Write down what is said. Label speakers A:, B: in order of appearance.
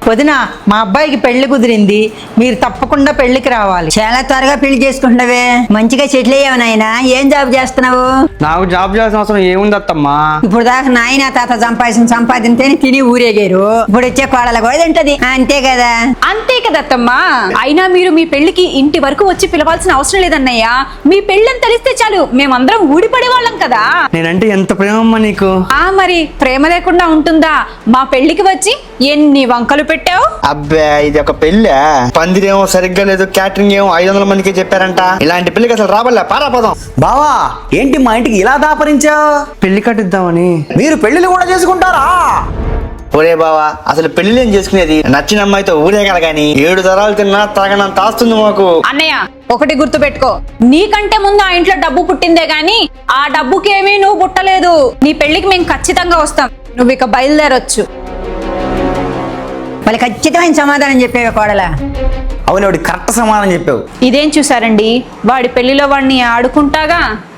A: వదిన, మా అబ్బాయికి పెళ్లి కుదిరింది, మీరు తప్పకుండా పెళ్లికి రావాలి.
B: చాలా త్వరగా పెళ్లి చేసుకుంటున్నావే, మంచిగా సెటిల్ అయ్యావు నాయనా. ఏం జాబ్ చేస్తున్నావు?
C: నాకు జాబ్ చేయాల్సిన అవసరం ఏముంది అత్తమ్మా?
B: ఇప్పుడు దాకా నాయన తాత సంపాదించే తిని ఊరేగారు. ఇప్పుడు వచ్చే కోడలు కూడా తింటది, అంతే కదా?
D: అంతే కదత్తమ్మా. అయినా మీరు మీ పెళ్లికి ఇంటి వరకు వచ్చి పిలవాల్సిన అవసరం లేదన్నయ్య. మీ పెళ్ళని తెలిస్తే చాలు, మేమందరం ఊడిపడే వాళ్ళం కదా.
C: నేనంటే ఎంత ప్రేమమ్మా నీకు.
D: మరి ప్రేమ లేకుండా ఉంటుందా? మా పెళ్లికి వచ్చి ఎన్ని వంకలు పెట్టావు.
E: అబ్బే, ఇది ఒక పెళ్ళా? పందిరేమో సరిగ్గా లేదు, క్యాటరింగ్ ఏమో 500 మందికి చెప్పారంట. ఇలాంటి పెళ్లికి అసలు రాబల్లా, పారాపోదాం.
F: బావా, ఏంటి మా ఇంటికి ఇలా దాపరించావు?
C: పెళ్లి కట్టిద్దామని.
F: మీరు పెళ్లిళ్ళు కూడా చేసుకుంటారా?
E: ఒరే బావా, అసలు పెళ్లి ఏం చేసుకునేది? నచ్చిన అమ్మాయితో ఊరేగాలి గాని 7 తరాలు తిన్నా తగనంత ఆస్తుంది మాకు.
D: అన్నయ్య, ఒకటి గుర్తు పెట్టుకో, నీకంటే ముందు ఆ ఇంట్లో డబ్బు పుట్టిందే గాని ఆ డబ్బుకేమీ నువ్వు పుట్టలేదు. నీ పెళ్లికి మేము ఖచ్చితంగా వస్తాం, నువ్వు ఇక బయలుదేరొచ్చు.
B: మళ్ళీ ఖచ్చితమైన సమాధానం చెప్పేవే కోడలా?
F: అవును, కరెక్ట్ సమాధానం చెప్పావు.
D: ఇదేం చూసారండి, వాడి పెళ్లిలో వాడిని ఆడుకుంటాగా